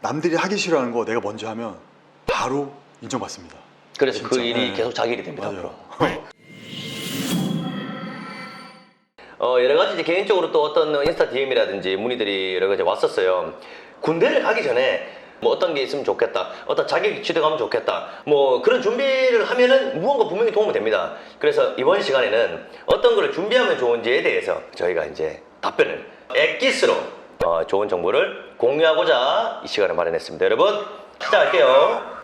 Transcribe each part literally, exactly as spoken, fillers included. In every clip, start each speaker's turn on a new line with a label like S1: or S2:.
S1: 남들이 하기 싫어하는 거 내가 먼저 하면 바로 인정받습니다.
S2: 그래서
S1: 진짜.
S2: 그 일이
S1: 네.
S2: 계속 자기 일이 됩니다.
S1: 맞아요.
S2: 앞으로. 어, 여러 가지 이제 개인적으로 또 어떤 인스타 디엠이라든지 문의들이 여러 가지 왔었어요. 군대를 가기 전에 뭐 어떤 게 있으면 좋겠다, 어떤 자격 취득하면 좋겠다, 뭐 그런 준비를 하면은 무언가 분명히 도움이 됩니다. 그래서 이번 시간에는 어떤 거를 준비하면 좋은지에 대해서 저희가 이제 답변을 엑기스로 어, 좋은 정보를 공유하고자 이 시간을 마련했습니다. 여러분 시작할게요.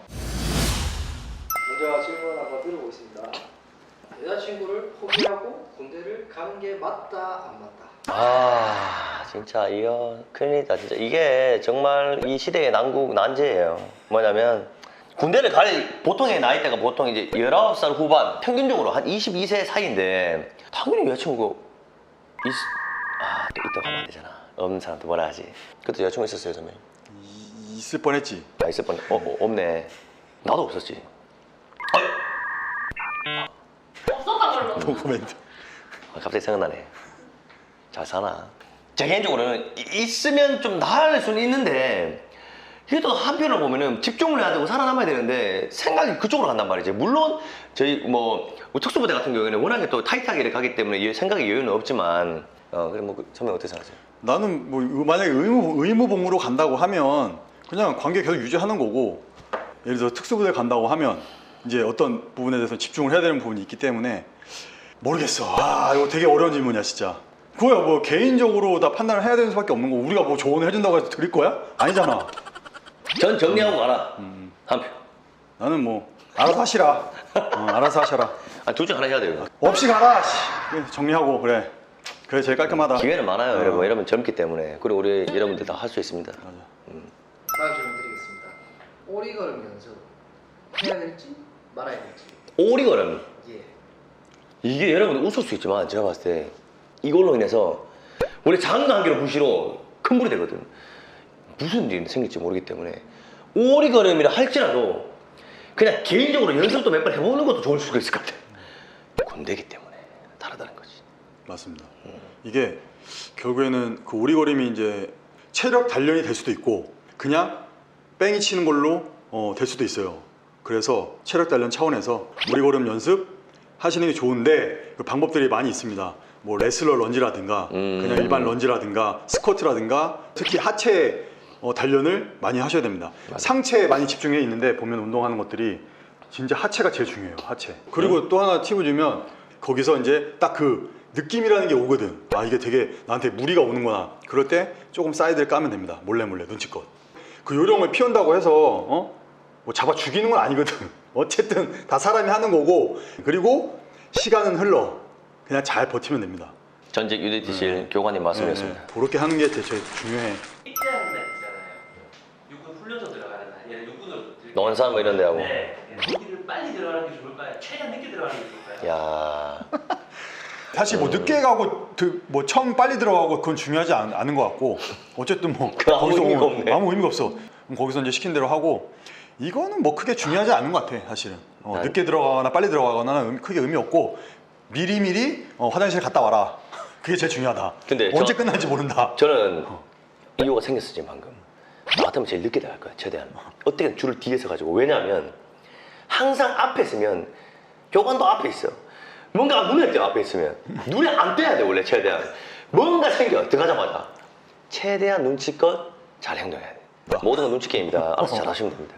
S3: 먼저 질문 한번 드려보겠습니다. 여자친구를 포기하고 군대를 가는 게 맞다 안 맞다?
S2: 아 진짜 이거 큰일이다. 진짜 이게 정말 이 시대의 난국 난제예요. 뭐냐면 군대를 갈 보통의 나이대가 보통 이제 열아홉 살 후반, 평균적으로 한 이십이 세 사이인데 당연히 여자친구 있... 아또 이따 가면 안 되잖아. 없는 사람도 뭐라 하지. 그때 여자친구 있었어요 선배님?
S1: 이- 있을 뻔했지.
S2: 아 있을 뻔. 어, 어 없네. 나도 없었지.
S4: 없었던 걸로.
S1: 노코멘트.
S2: 아, 갑자기 생각나네. 잘 사나? 제 개인적으로는 이- 있으면 좀 나을 수는 있는데 이게 또 한편으로 보면은 집중을 해야 되고 살아남아야 되는데 생각이 그쪽으로 간단 말이지. 물론 저희 뭐, 뭐 특수부대 같은 경우에는 워낙에 또 타이트하게 가기 때문에 이 생각의 여유는 없지만 어 그래 뭐 그, 선배 어떻게 생각하세요?
S1: 나는 뭐 만약에 의무, 의무복무로 간다고 하면 그냥 관계 계속 유지하는 거고, 예를 들어 특수부대 간다고 하면 이제 어떤 부분에 대해서 집중을 해야 되는 부분이 있기 때문에 모르겠어. 아 이거 되게 어려운 질문이야 진짜. 그거야 뭐 개인적으로 다 판단을 해야 되는 수밖에 없는 거고, 우리가 뭐 조언을 해준다고 해서 드릴 거야? 아니잖아.
S2: 전 정리하고 가라. 한 표.
S1: 나는 뭐 알아서 하시라. 어, 알아서 하셔라.
S2: 아, 둘 중 하나 해야 돼요.
S1: 없이 가라. 씨. 그래, 정리하고 그래. 그래 제일 깔끔하다.
S2: 기회는 많아요,
S1: 어.
S2: 여러분. 여러분 젊기 때문에. 그리고 우리 여러분들 다 할 수 있습니다.
S1: 맞아.
S3: 다음 질문 드리겠습니다. 오리걸음 연습 해야 될지 말아야 될지.
S2: 오리걸음.
S3: 예.
S2: 이게 여러분 웃을 수 있지만 제가 봤을 때 이걸로 인해서 원래 작은 관계로 부시로 큰 불이 되거든. 무슨 일이 생길지 모르기 때문에 오리걸음이라 할지라도 그냥 개인적으로 연습도 몇 번 해보는 것도 좋을 수가 있을 것 같아. 군대기 때문에 다르다는 거지.
S1: 맞습니다. 이게 결국에는 그 오리걸음이 이제 체력 단련이 될 수도 있고 그냥 뺑이 치는 걸로 어, 될 수도 있어요. 그래서 체력 단련 차원에서 오리걸음 연습 하시는 게 좋은데 그 방법들이 많이 있습니다. 뭐 레슬러 런지라든가
S2: 음.
S1: 그냥 일반 런지라든가 스쿼트라든가 특히 하체 어, 단련을 많이 하셔야 됩니다.
S2: 맞아.
S1: 상체에 많이 집중해 있는데 보면 운동하는 것들이 진짜 하체가 제일 중요해요. 하체. 그리고 또 하나 팁을 주면 거기서 이제 딱 그 느낌이라는 게 오거든. 아 이게 되게 나한테 무리가 오는구나. 그럴 때 조금 사이드를 까면 됩니다. 몰래 몰래 눈치껏. 그 요령을 피운다고 해서 어? 뭐 잡아 죽이는 건 아니거든. 어쨌든 다 사람이 하는 거고, 그리고 시간은 흘러. 그냥 잘 버티면 됩니다.
S2: 전직 유디티실 교관님 말씀이었습니다.
S1: 네, 네. 그렇게 하는 게 제일 중요해.
S5: 입대하는 날 있잖아요. 육군 훈련소 들어가는 날, 얘는 육군으로 들어가는
S2: 논산 뭐 이런 데 하고.
S5: 네. 거기를 빨리 들어가는 게 좋을까요? 최대한 늦게 들어가는 게 좋을까요?
S2: 야.
S1: 사실 뭐
S2: 음.
S1: 늦게 가고 그 뭐 처음 빨리 들어가고 그건 중요하지 않, 않은 것 같고, 어쨌든 뭐
S2: 그 아무
S1: 거기서
S2: 의미가
S1: 뭐
S2: 없네.
S1: 아무 의미가 없어. 그럼 거기서 이제 시킨 대로 하고, 이거는 뭐 크게 중요하지 않은 것 같아 사실은. 어,
S2: 난-
S1: 늦게 들어가거나 빨리 들어가거나는 의미- 크게 의미 없고, 미리 미리 어, 화장실 갔다 와라. 그게 제일 중요하다.
S2: 근데
S1: 언제
S2: 저-
S1: 끝날지 모른다.
S2: 저는 이유가 생겼어 지금 방금. 나 같으면 제일 늦게 들어갈 거야 최대한. 어떻게든 줄을 뒤에서 가지고. 왜냐하면 항상 앞에 있으면 교관도 앞에 있어. 뭔가 눈에 띄어 앞에 있으면 눈에 안 띄어야 돼 원래 최대한. 뭔가 생겨 들어가자마자 최대한 눈치껏 잘 행동해야 돼. 모든 건 눈치 게임이다. 알아서 잘 하시면 됩니다.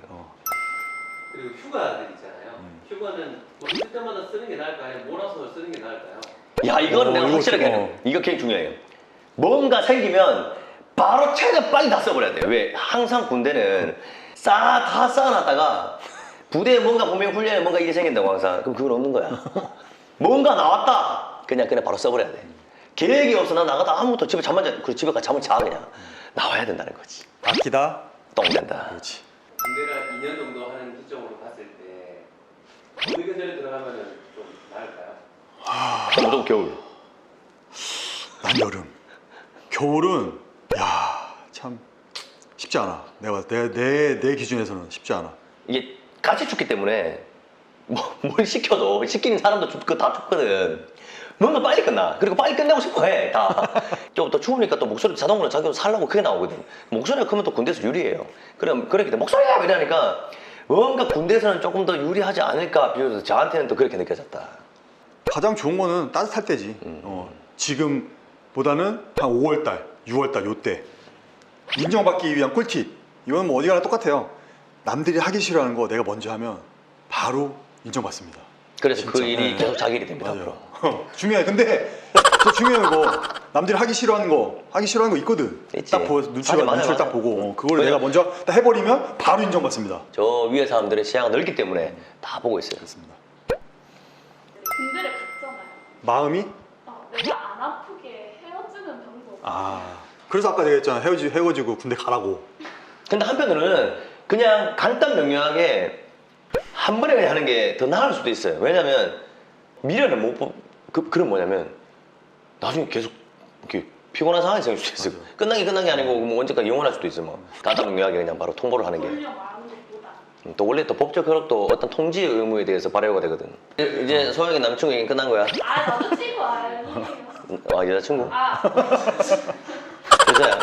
S5: 그리고 휴가들 있잖아요. 휴가는 뭐 있을 때마다 쓰는 게 나을까요? 아니면 몰아서 쓰는 게 나을까요?
S2: 야 이거는
S1: 어,
S2: 내가
S1: 이거
S2: 확실하게
S1: 좀,
S2: 해야
S1: 어.
S2: 돼. 이거 굉장히 중요해요. 뭔가 생기면 바로 최대한 빨리 다 써버려야 돼요. 왜? 항상 군대는 쌓아 다 쌓아놨다가 부대에 뭔가 보면 훈련에 뭔가 일이 생긴다고 항상. 그럼 그건 없는 거야. 뭔가 나왔다. 그냥 그냥 바로 써버려야 돼. 계획이 없어. 나 나가다 아무것도 집에 잠만 자. 그리고 집에 가 잠을 자 그냥. 나와야 된다는 거지.
S1: 아끼다.
S2: 똥 된다.
S1: 그렇지.
S5: 군대가 이 년 정도 하는 기점으로 봤을 때 어느 계절에 들어가면 좀 나을까요?
S2: 그럼 무조건 겨울.
S1: 난 여름. 겨울은 야 참 쉽지 않아. 내가 내 내 내 기준에서는 쉽지 않아.
S2: 이게 같이 춥기 때문에 뭐, 뭘 시켜도 시키는 사람도 춥고 다 춥거든. 뭔가 빨리 끝나. 그리고 빨리 끝내고 싶어 해. 다. 좀 더 추우니까 또 목소리 자동으로 자기 살라고 크게 나오거든. 목소리가 크면 또 군대에서 유리해요. 그럼 그렇게 돼. 목소리야 이러니까 뭔가 군대에서는 조금 더 유리하지 않을까 비교해서 저한테는 또 그렇게 느껴졌다.
S1: 가장 좋은 거는 따뜻할 때지.
S2: 음.
S1: 어, 지금보다는 한 오월달, 유월달 요때 인정받기 위한 꿀팁. 이건 뭐 어디 가나 똑같아요. 남들이 하기 싫어하는 거 내가 먼저 하면 바로 인정받습니다.
S2: 그래서
S1: 진짜.
S2: 그 일이
S1: 네.
S2: 계속 자기 일이 됩니다.
S1: 맞아요.
S2: 앞으로.
S1: 중요해. 근데 저 중요한 거 남들이 하기 싫어하는 거 하기 싫어하는 거 있거든.
S2: 있지.
S1: 딱 보, 눈치가
S2: 맞아, 맞아,
S1: 눈치를 딱
S2: 맞아.
S1: 보고 어, 그걸
S2: 왜냐-
S1: 내가 먼저 딱 해버리면 바로 인정받습니다.
S2: 저 위에 사람들의 시야가 넓기 때문에 다 보고 있어요.
S1: 그렇습니다.
S4: 군대를 갔잖아요.
S1: 마음이
S4: 어, 내가 안 아프게 헤어지는 방법.
S1: 아 그래서 아까 내가 했잖아 헤어지 헤어지고 군대 가라고.
S2: 근데 한편으로는 그냥 간단 명료하게 한 번에 그냥 하는 게 더 나을 수도 있어요. 왜냐면 미련을 못 보, 그, 그럼 뭐냐면 나중에 계속 이렇게 피곤한 상황이 생길 수도 있어요. 끝난 게 끝난 게 아니고 뭐 언제까지 영원할 수도 있어. 뭐 간단 명료하게 그냥 바로 통보를 하는 게.
S4: 돌려 말하는 것보다.
S2: 음, 또 원래 또 법적 효력도 어떤 통지 의무에 대해서 발효가 되거든. 이제 소영이 남친구 얘기 끝난 거야.
S4: 아 나도 친구 아니에요.
S2: 음, 아 여자친구?
S4: 아
S2: 여자야.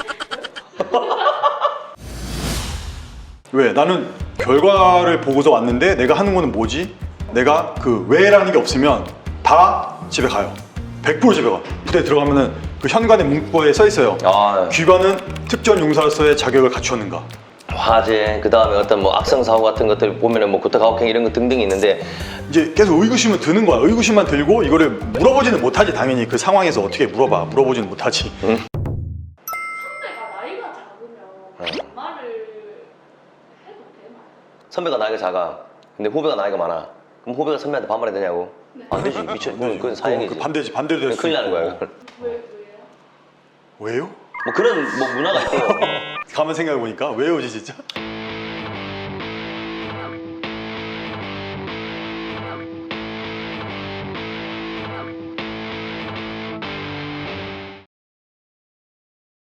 S1: 왜? 나는 결과를 보고서 왔는데 내가 하는 거는 뭐지? 내가 그 왜라는 게 없으면 다 집에 가요. 백 퍼센트 집에 가. 그때 들어가면은 그 현관의 문구에 써 있어요.
S2: 아
S1: 귀관은 특전 용사로서의 자격을 갖추었는가.
S2: 화재 그 다음에 어떤 뭐 악성 사고 같은 것들 보면은 뭐 구타가혹행 이런 거 등등이 있는데
S1: 이제 계속 의구심은 드는 거야. 의구심만 들고 이거를 물어보지는 못하지. 당연히 그 상황에서 어떻게 물어봐. 물어보지는 못하지.
S2: 응?
S4: 선배가 나이가 작으면 반말을 해도 되나요?
S2: 선배가 나이가 작아. 근데 후배가 나이가 많아. 그럼 후배가 선배한테 반말해야 되냐고? 안 되지. 미쳐. 그건, 그건 사형이지.
S1: 그 반대지. 반대로 될수
S2: 큰일 나는 거야.
S1: 있고.
S2: 그건.
S4: 왜 왜요?
S1: 왜요?
S2: 뭐 그런 뭐 문화가 있대요.
S1: 가만 생각해 보니까 왜요지 진짜?